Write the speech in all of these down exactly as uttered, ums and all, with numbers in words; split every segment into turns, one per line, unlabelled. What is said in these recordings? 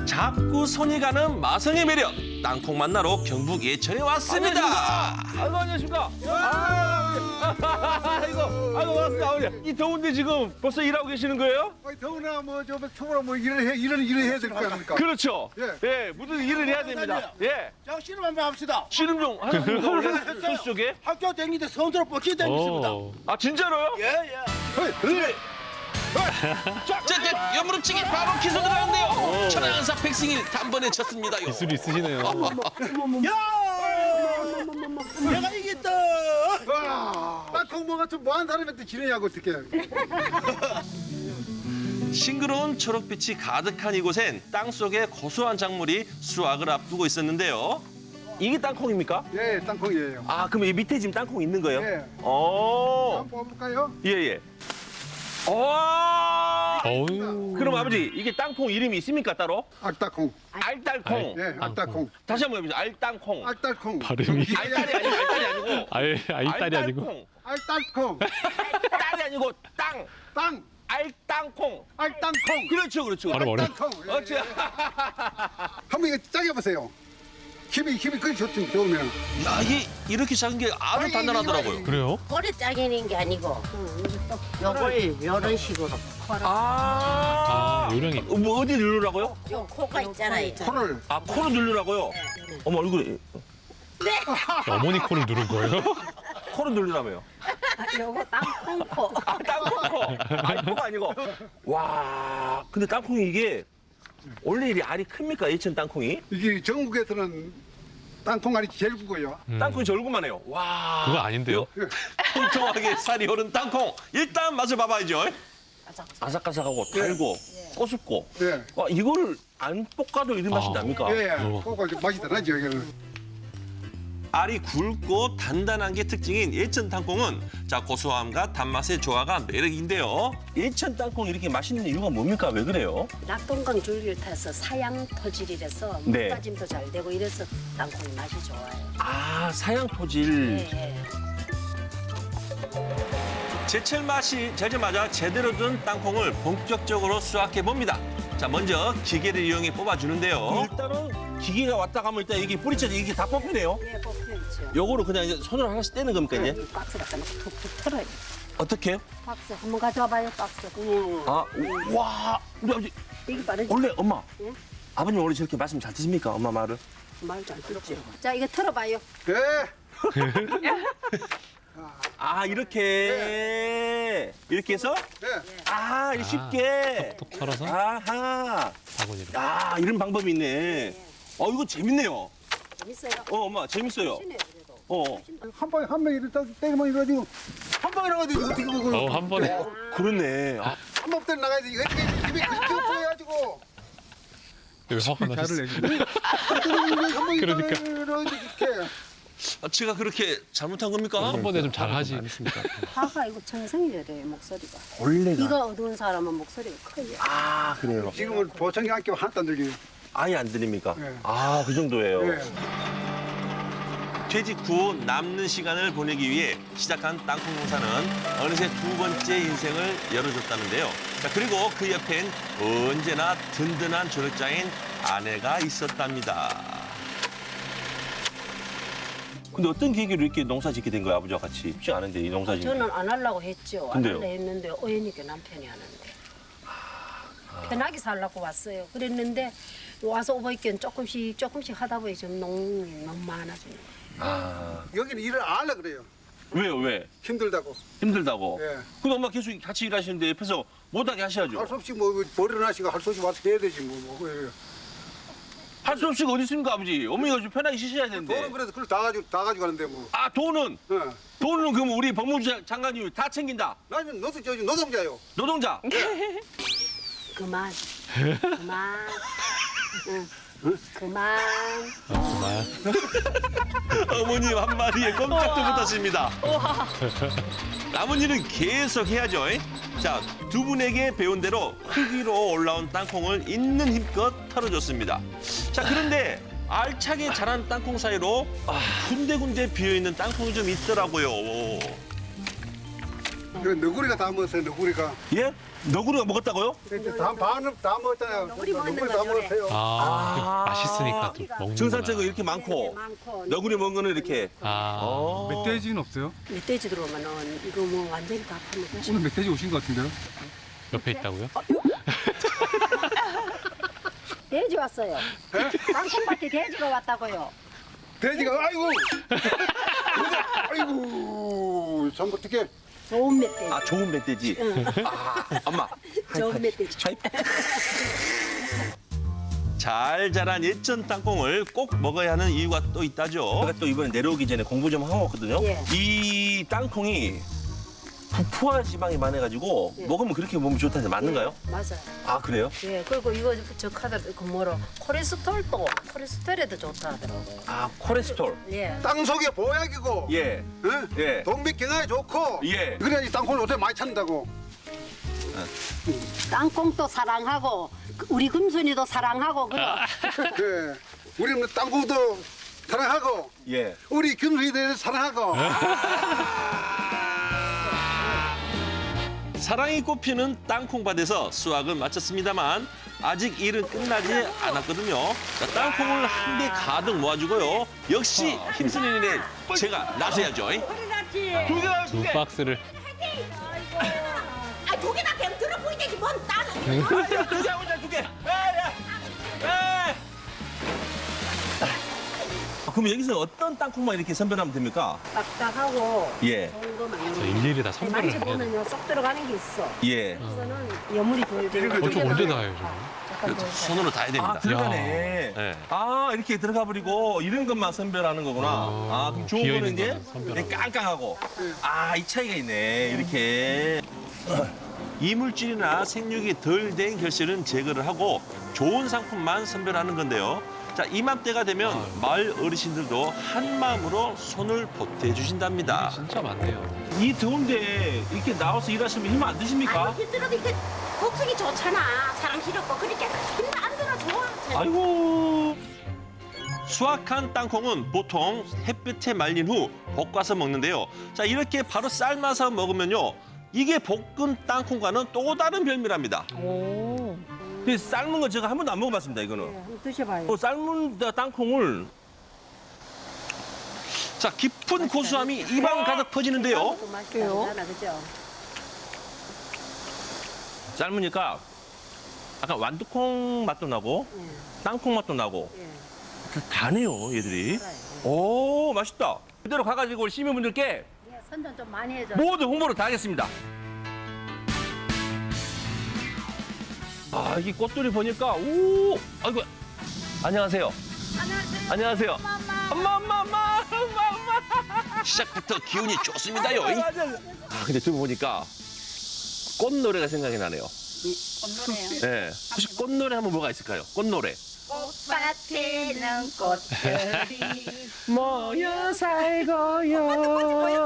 자꾸 손이 가는 마성의 매력. 땅콩 만나러 경북 예천에 왔습니다.
아이고 안녕하십니까. 아, 아이고 아이고 반갑습니다. 아버지. 이 더운데 지금 벌써 일하고 계시는 거예요?
아니, 더구나 뭐저 초보라 뭐 일을 해 일은 일을 해야 될 거 아닙니까?
그렇죠.
예.
예, 무슨 일을 해야 됩니다. 예.
자, 씨름 한번 합시다.
씨름 좀 하셨습니까? 원래 소수 쪽에?
학교 다니는데 선수로 뻗치 다니십니다.
아 진짜로요?
예, 예.
네.
자, 자, 옆무릎치기 바로 기술 들어가는데요. 천안사 백승일 단번에 쳤습니다.
기술이 있으시네요.
야! 내가 이겼다.
와, 땅콩 뭐 같은 뭐한 사람한테 지내냐고 어떻게?
싱그러운 초록빛이 가득한 이곳엔 땅속에 고소한 작물이 수확을 앞두고 있었는데요.
이게 땅콩입니까?
예, 땅콩이에요.
아 그럼 이 밑에 지금 땅콩 있는 거예요?
예.
오.
한번 뽑을까요?
예예. 오.
어우.
그럼 아버지 이게 땅콩 이름이 있습니까 따로?
악땅콩.
알딸콩.
예, 악땅콩.
다시 한번 해보세요. 알땅콩.
악딸콩.
발음이.
알딸이 아니고 알딸이 아니고.
아예 아이딸이 아니고.
알딸콩.
알딸콩.
딸이 아니고 땅.
땅.
알땅콩.
알땅콩.
그렇죠, 그렇죠.
발음 어려.
땅콩. 예,
어째?
예. 한번 이거 짜게 보세요. 힘이 힘이 그리 좋지 좋으면.
야, 이게 이렇게 작은 게 아주 단단하더라고요.
그래요?
꼬리 짜기는 게 아니고 요걸 이런 식으로 코를
아.
아, 요령이.
어, 뭐 어디 누르라고요?
요 코가 있잖아요.
코를
아 코로 누르라고요? 어머 얼굴에
어머니 코를 누른 거예요?
코로 누르라며요.
요거 땅콩코.
아 땅콩코. 아 코가 아니고. 와 근데 땅콩이 이게 원래 이 알이 큽니까 예천 땅콩이?
이게 전국에서는 땅콩 알이 제일 크고요.
음,
땅콩이 절구만해요. 와.
그거 아닌데요?
통통하게 살이 오른 땅콩. 일단 맛을 봐봐야죠.
아삭아삭하고 달고 꼬숩고.
예.
와 이거를 안 볶아도 이런 맛이
아.
납니까?
예,
어.
그거 맛이 다르죠 이거는.
알이 굵고 단단한 게 특징인 예천 땅콩은 자 고소함과 단맛의 조화가 매력인데요.
예천 땅콩 이렇게 맛있는 이유가 뭡니까? 왜 그래요?
낙동강 줄기를 타서 사양 토질이라서
네.
물빠짐도 잘 되고 이래서 땅콩이 맛이 좋아요.
아 사양 토질.
예, 예.
제철 맛이 되자마자 제대로 든 땅콩을 본격적으로 수확해 봅니다. 자 먼저 기계를 이용해 뽑아주는데요.
일단은 기계가 왔다 가면 일단 이게 뿌리채 이게 다 뽑히네요.
예, 뽑혀있죠.
요거를 그냥 이제 손으로 하나씩 떼는 겁니까 이제?
이 박스 갖다 놓고 툭툭 털어요.
어떻게?
박스 한번 가져와봐요, 박스.
아, 와, 우리 아버지
이게 빠르지?
원래 엄마,
예?
아버님 원래 저렇게 말씀 잘 드십니까? 엄마 말을?
말도 안 듣죠. 자, 이거 털어봐요.
예.
아 이렇게 이렇게 해서
예.
아 이렇게 쉽게
톡 털어서
아하
바구니로.
아 이런 방법이 있네. 어 이거 재밌네요.
재밌어요?
어 엄마 재밌어요.
신네 그래도.
어
한 방에 한 명이 이렇게 때리면 이러지고 한 방에 나가지고 어떻게 그걸
어, 한 번에.
그렇네. 아,
한 번 때려 나가야지. 이거 이게 입에 이렇게 보여가지고
여기 화가 나셨어요.
그러니까.
그러니까.
이렇게.
아, 제가 그렇게 잘못한 겁니까?
한 번에 좀 잘하지 않습니까?
화가 이거 정성이래 목소리가.
원래가
이가 어두운 사람은 목소리가 커요.
아 그래요.
지금은 보청기 안 끼면 하나도 안 들려요.
아예 안 들립니까?
네.
아 그 정도예요.
예.
퇴직 후 남는 시간을 보내기 위해 시작한 땅콩 농사는 어느새 두 번째 인생을 열어줬다는데요. 자, 그리고 그 옆엔 언제나 든든한 조력자인 아내가 있었답니다.
근데 어떤 계기로 이렇게 농사 짓게 된 거예요, 아버지와 같이? 쉽지 않은데 이 농사 짓는.
저는 안 하려고 했죠. 안
근데요?
하려고 했는데 어연이게 남편이 하는데. 편하게 살려고 왔어요. 그랬는데 와서 오버이견 조금씩 조금씩 하다 보니 좀 농이 너무 많아지는 거예요.
아
여기는 일을 안 하려 그래요.
왜요 왜?
힘들다고.
힘들다고.
예.
근데 엄마 계속 같이 일하시는데 옆에서 못하게 하셔야죠.
할 수 없이 뭐 머리를 하시고 할 수 없이 와서 해야 되지 뭐. 뭐. 예.
할 수 없이 어디 있습니까 아버지? 어머니가 좀 편하게 쉬셔야 되는데.
돈은 그래도 그걸 다 가지고 다 가지고 가는데 뭐.
아 돈은
예.
돈은 그럼 우리 법무부 장- 장관님이 다 챙긴다.
나는 너도 저 노동자요.
노동자.
그만. 그만. 응. 그만.
정말.
어머님 한마디에 꼼짝도 못하십니다. 남은 일은 계속 해야죠. 자, 두 분에게 배운 대로 흙 위로 올라온 땅콩을 있는 힘껏 털어줬습니다. 자, 그런데 알차게 자란 땅콩 사이로 군데군데 비어있는 땅콩이 좀 있더라고요.
그 너구리가 다 먹었어요. 너구리가.
예? 너구리가 먹었다고요?
이제 다 반은 다 먹었잖아요.
너구리 먹는
너구리 다
거죠,
먹었어요.
아, 맛있으니까 또 먹는
증산체가 이렇게 많고
네, 많고.
너구리 먹은 거는 이렇게.
아,
어.
멧돼지는 없어요?
멧돼지 들어오면은 이거 뭐 완전히 다 파먹어.
오늘 멧돼지 오신 것 같은데요?
옆에 있다고요?
돼지 왔어요. 땅콩밭에 돼지가 왔다고요.
돼지가 아이고. 아이고. 참 어떻게?
좋은 멧돼지.
아 좋은 멧돼지. 아, 엄마.
좋은 멧돼지.
잘 자란 예천 땅콩을 꼭 먹어야 하는 이유가 또 있다죠.
제가 또 이번에 내려오기 전에 공부 좀 하고 왔거든요.
예.
이 땅콩이 부푸한 지방이 많아가지고
예.
먹으면 그렇게 몸이 좋다는데 맞는가요?
예, 맞아요.
아 그래요?
예, 그리고 이거 저 카드 그 뭐로 콜레스테롤도 콜레스테롤에도 좋다 하더라고요.
아 콜레스테롤.
예.
땅 속에 보약이고.
예.
응?
예.
동맥경화에 좋고.
예.
그래야지 땅콩을 어떻게 많이 찾는다고.
땅콩도 사랑하고 우리 금순이도 사랑하고 그럼.
그 우리는 땅콩도 사랑하고
예.
우리 금수이들 사랑하고.
사랑이 꽃피는 땅콩밭에서 수확은 마쳤습니다만 아직 일은 끝나지 않았거든요. 자, 땅콩을 한 개 가득 모아주고요. 역시 힘쓰는 일에 제가 나서야죠.
두 박스를.
아, 두 개나 그냥 들어 보이지 뭔 땅.
두개 하고 두 개. 그럼 여기서 어떤 땅콩만 이렇게 선별하면 됩니까?
딱딱하고
예.
좋은 거만
저 일일이 다 선별을 해야 돼.
만져보면요 쏙 들어가는 게 있어.
예.
이거는 여물이 돌돌.
어, 저 언제 다 해요,
잠깐 더
손으로 다 해야 됩니다.
아 들어가네.
네.
아 이렇게 들어가 버리고 이런 것만 선별하는 거구나.
아,
아 그럼 좋은
비어
거는
있는
이제
거는 선별하고.
이렇게 깡깡하고. 아 이 차이가 있네. 이렇게.
이물질이나 생육이 덜 된 결실은 제거를 하고 좋은 상품만 선별하는 건데요. 자, 이맘때가 되면 마을 어르신들도 한 마음으로 손을 보태 주신답니다.
진짜 많네요.
이 더운데 이렇게 나와서 일하시면 힘 안 드십니까?
아이고, 힘들어도 이게 복숭이 좋잖아. 사랑스럽고 그러니까 힘도 안 들어 좋아.
아이고.
수확한 땅콩은 보통 햇볕에 말린 후 볶아서 먹는데요. 자, 이렇게 바로 삶아서 먹으면요. 이게 볶은 땅콩과는 또 다른 별미랍니다.
오.
근데 삶은 거 제가 한 번도 안 먹어봤습니다. 이거는.
한번 드셔봐요.
어, 삶은 땅콩을
자, 깊은 고소함이 입안 가득 퍼지는데요.
그 맛이 다르잖아, 그죠?
삶으니까 약간 완두콩 맛도 나고
예.
땅콩 맛도 나고
예.
다네요 얘들이.
알아요.
오 맛있다. 그대로 가가지고 우리 시민분들께
예, 선전 좀 많이 해줘.
모두 홍보를 다 하겠습니다. 아, 이 꽃들이 보니까, 오, 아이고, 안녕하세요. 안녕하세요. 안녕하세요. 엄마, 엄마, 엄마, 엄마, 엄마.
시작부터 기운이 좋습니다요.
아, 근데 지금 보니까 꽃노래가 생각이 나네요.
꽃노래요.
네. 혹시 꽃노래 하면 뭐가 있을까요? 꽃노래.
꽃밭에는 꽃들이
모여 살고요.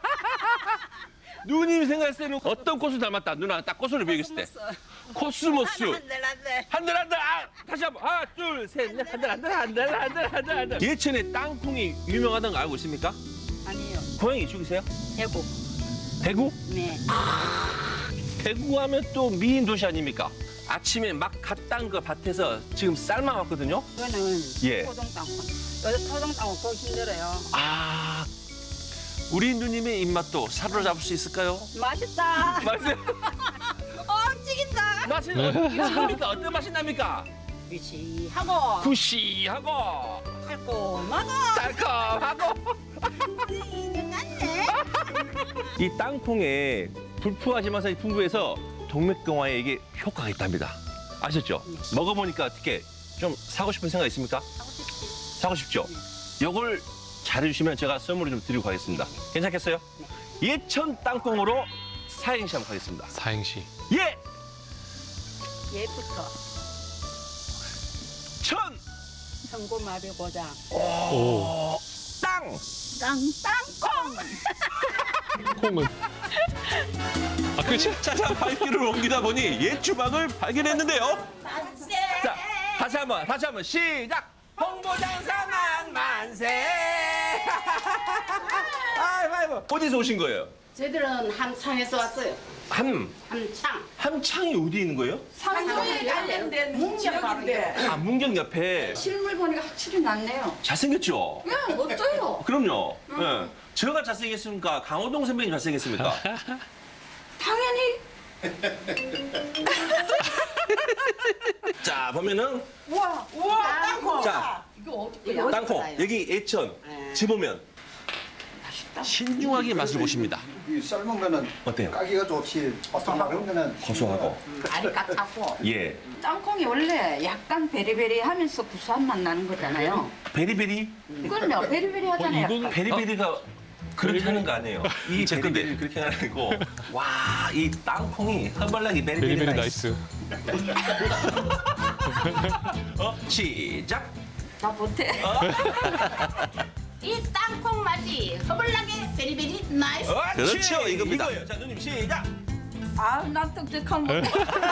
누님이 생각했을 때는 어떤 꽃을 닮았다. 누나 딱 꽃을 비교했을 때. 코스모스.
한들 한들.
한들 한들 아 다시 한번 하나 둘 셋 넷 한들 한들 한들 한들 한들 한들. 예천에 땅콩이 유명하다는 거 알고 있습니까?
아니요.
고향이 이쪽이세요?
대구.
대구?
네.
대구 하면 또 미인 도시 아닙니까? 아침에 막 갓 딴 거 밭에서 지금 삶아 왔거든요.
이거는
예.
토종 땅콩. 토종 땅콩 그거 힘들어요.
아, 우리 누님의 입맛도 사로잡을 수 있을까요?
맛있다.
맛있어요?
어, 찌긴다.
맛이 어떻게 납니까? 어떤 맛이 납니까?
위시하고
구시하고
달콤하고
달콤하고.
네.
이 땅콩에 불포화지마산이 풍부해서 동맥경화에 이게 효과가 있답니다. 아셨죠? 먹어보니까 어떻게 좀 사고 싶은 생각 있습니까? 사고 싶죠? 요걸 잘해주시면 제가 선물을 좀 드리고 가겠습니다. 괜찮겠어요? 예천 땅콩으로 사행시 한번 가겠습니다.
사행시.
예!
예부터
천!
성고마비 고장.
오,
땅!
땅 땅콩.
콩은. 아, 그치?
찾아 발길을 옮기다 보니 옛 주방을 발견했는데요.
자, 다시 한 번, 다시 한 번, 시작! 홍보장사만 만세! 아이고, 아이고. 어디서 오신 거예요?
저희들은 함창에서 왔어요.
함,
함창.
함창이 어디 있는 거예요?
상도에 관련된 문경인데
아, 문경 옆에.
실물 보니까 확실히 낫네요.
잘생겼죠?
예, 멋져요.
그럼요. 예. 제가 잘생겼습니까? 강호동 선배님 잘생겼습니까?
당연히.
자, 보면은
우와, 우와, 땅콩.
자,
이거 어떻게?
이거
땅콩.
어떡해요?
여기 예천.
네.
집으면
신중하게 맛을 보십니다.
이 삶은 거는
어때요?
까기가 좋지 바삭한 거는
고소하고.
알이 까맣고.
예.
땅콩이 원래 약간 베리베리하면서 구수한 맛 나는 거잖아요.
베리베리?
그럼요, 베리베리 하잖아요.
어, 이건-
약간.
베리베리가 그렇게 하는 거 아니에요. 이
제 건데.
베리베리 그렇게 하는 거 아니고. 와, 이 땅콩이 허벌나게 베리베리,
베리베리
나이스.
나이스.
어? 시작.
나 못해.
이 땅콩 맛이 허블나게 베리베리 나이스.
어,
그렇죠,
치.
이겁니다.
이거예요. 자, 누님 시작.
아, 난 떡떡한 거.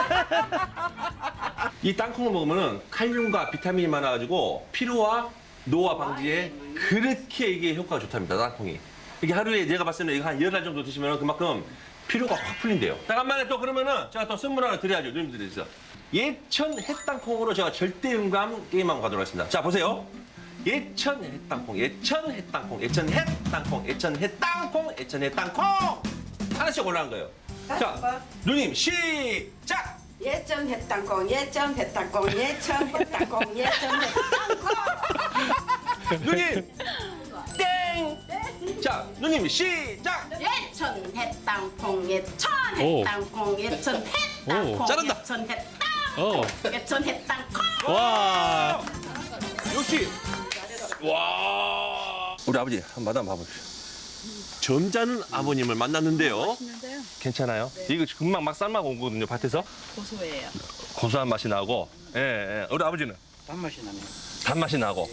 이 땅콩을 먹으면 칼륨과 비타민이 많아가지고 피로와 노화 방지에 그렇게 이게 효과가 좋답니다. 땅콩이. 이게 하루에 내가 봤을 때는 이거 한 열알 정도 드시면 그만큼 피로가 확 풀린대요. 잠깐만요. 또 그러면은 제가 또 선물 하나 드려야죠. 누님들에서. 예천 햇땅콩으로 제가 절대 음감 게임 한번 가도록 하겠습니다. 자, 보세요. 예천 햇땅콩, 예천 햇땅콩, 예천 햇땅콩, 예천 햇땅콩, 예천 햇땅콩. 하나씩 올라간 거예요. 자, 누님 시작!
예전 햇땅콩, 예전 햇땅콩, 예전 햇땅콩, 예전 햇땅콩.
누님 땡! 자, 누님 시작!
예천 햇땅콩 예천
오.
햇땅콩 예천 햇땅콩
오,
잘한다.
예천 햇땅콩
어.
예천 햇땅콩.
와.
역시 와 우리 아버지 한번 맛 한번 봐보십시오.
점잖은 아버님을 만났는데요.
괜찮아요? 이거 금방 막 삶아고 온 거거든요, 밭에서.
고소해요.
고소한 맛이 나고, 예, 예. 우리 아버지는
단맛이 나네요.
단맛이 나고.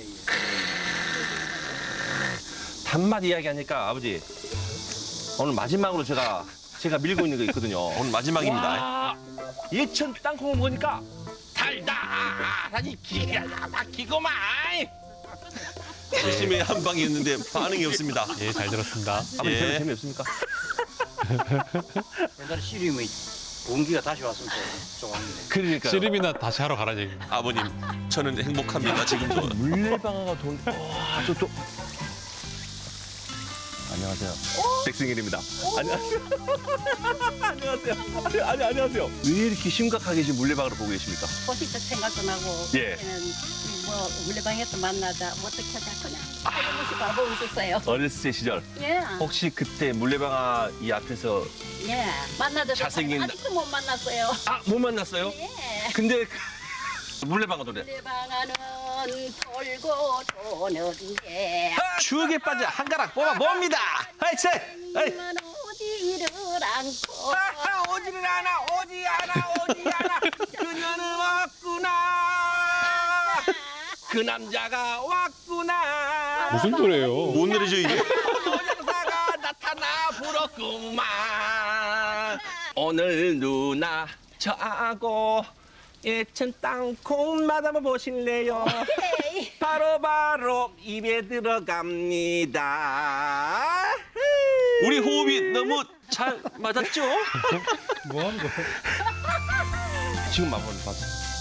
단맛 이야기하니까 아버지 오늘 마지막으로 제가 제가 밀고 있는 거 있거든요.
오늘 마지막입니다.
와, 예천 땅콩을 먹으니까 달달하니 기가 막히고만.
열심히 한 방이었는데 반응이 없습니다.
예, 잘 들었습니다.
아버지
예.
별로 재미없습니까?
옛날에 씨름이 공기가 다시 왔으면 좋았는데.
그러니까
씨름이나 다시 하러 가라는 얘기입니다.
아버님, 저는 행복합니다. 지금도.
물레방아가 돈. 와, 저 또. 안녕하세요. 백승일입니다. 안녕하세요. 안녕하세요. 아니, 안녕하세요. 왜 이렇게 심각하게 지금 물레방아를 보고 계십니까?
포식적 생각도 나고
예.
그때는 뭐 물레방에서 만나자 뭐 어떻게 하자 그냥 조금씩 바라보고 있었어요.
어렸을 때 시절.
예,
혹시 그때 물레방아 이 앞에서
예. 만나도
잘생긴-
아직도 못 만났어요.
아, 못 만났어요?
예.
근데 그 물레방아 노래.
물레방아는 돌고 도는 게
추억에 빠져 한 가락 뽑아 봅니다. 하이체! 하이!
만 오지를 않고
아하, 오지를 않아, 오지 않아, 오지 않아. 그녀는 왔구나. 그 남자가 왔구나.
무슨 노래예요?
뭔 노래죠, 이게?
노장사가 나타나 불었구만. 오늘 누나 저하고 예천 땅콩 맛 한번 보실래요?
오케이.
바로 바로 입에 들어갑니다.
우리 호흡이 너무 잘 맞았죠?
뭐 하는 거야?
지금 맛보는 봤어.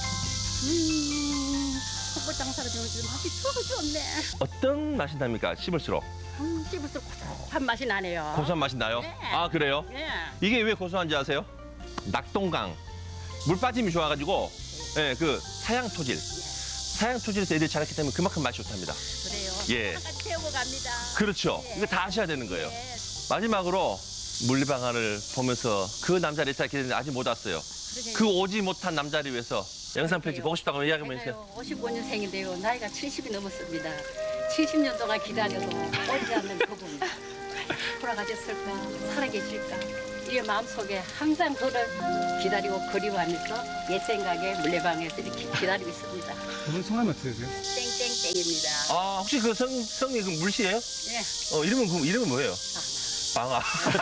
음, 헛불 장사를 좀 맛이 추억이 좋네.
어떤 맛이 납니까? 씹을수록
음, 씹을수록 고소한 맛이 나네요.
고소한 맛이 나요?
네.
아, 그래요?
예.
이게 왜 고소한지 아세요? 낙동강 물 빠짐이 좋아가지고 예, 그 사양 토질 사양 토질에서 애들이 자랐기 때문에 그만큼 맛이 좋답니다.
그래요.
예.
하나까지 태우고 갑니다.
그렇죠.
예.
이거 다 하셔야 되는 거예요.
예.
마지막으로 물레방아를 보면서 그 남자를 일단 기다리는데 아직 못 왔어요.
그러게요.
그 오지 못한 남자를 위해서 영상 편지 보고 싶다고 이야기 한번 해주세요.
제가요, 오십오 년생인데요. 나이가 칠십이 넘었습니다. 칠십 년 동안 기다려도 오지 않는 그분. 돌아가셨을까? 살아계실까? 이 마음속에 항상 그를 기다리고 그리워하면서 옛 생각에 물레방에서 이렇게 기다리고 있습니다.
오늘 성함이 어떻게 되세요?
땡땡땡입니다.
아, 혹시 그 성, 성이 그 물씨예요?
예.
어, 이름은, 그 이름은 뭐예요? 방아.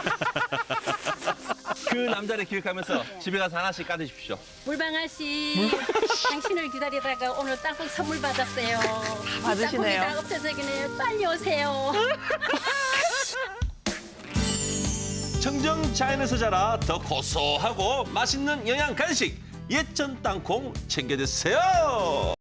그 남자를 기억하면서 집에 가서 하나씩 까드십시오.
물방아 씨, 당신을 기다리다가 오늘 땅콩 선물 받았어요.
받으시네요.
땅콩이 다 없어서 그네 빨리 오세요.
청정 자연에서 자라 더 고소하고 맛있는 영양 간식 예천 땅콩 챙겨 드세요.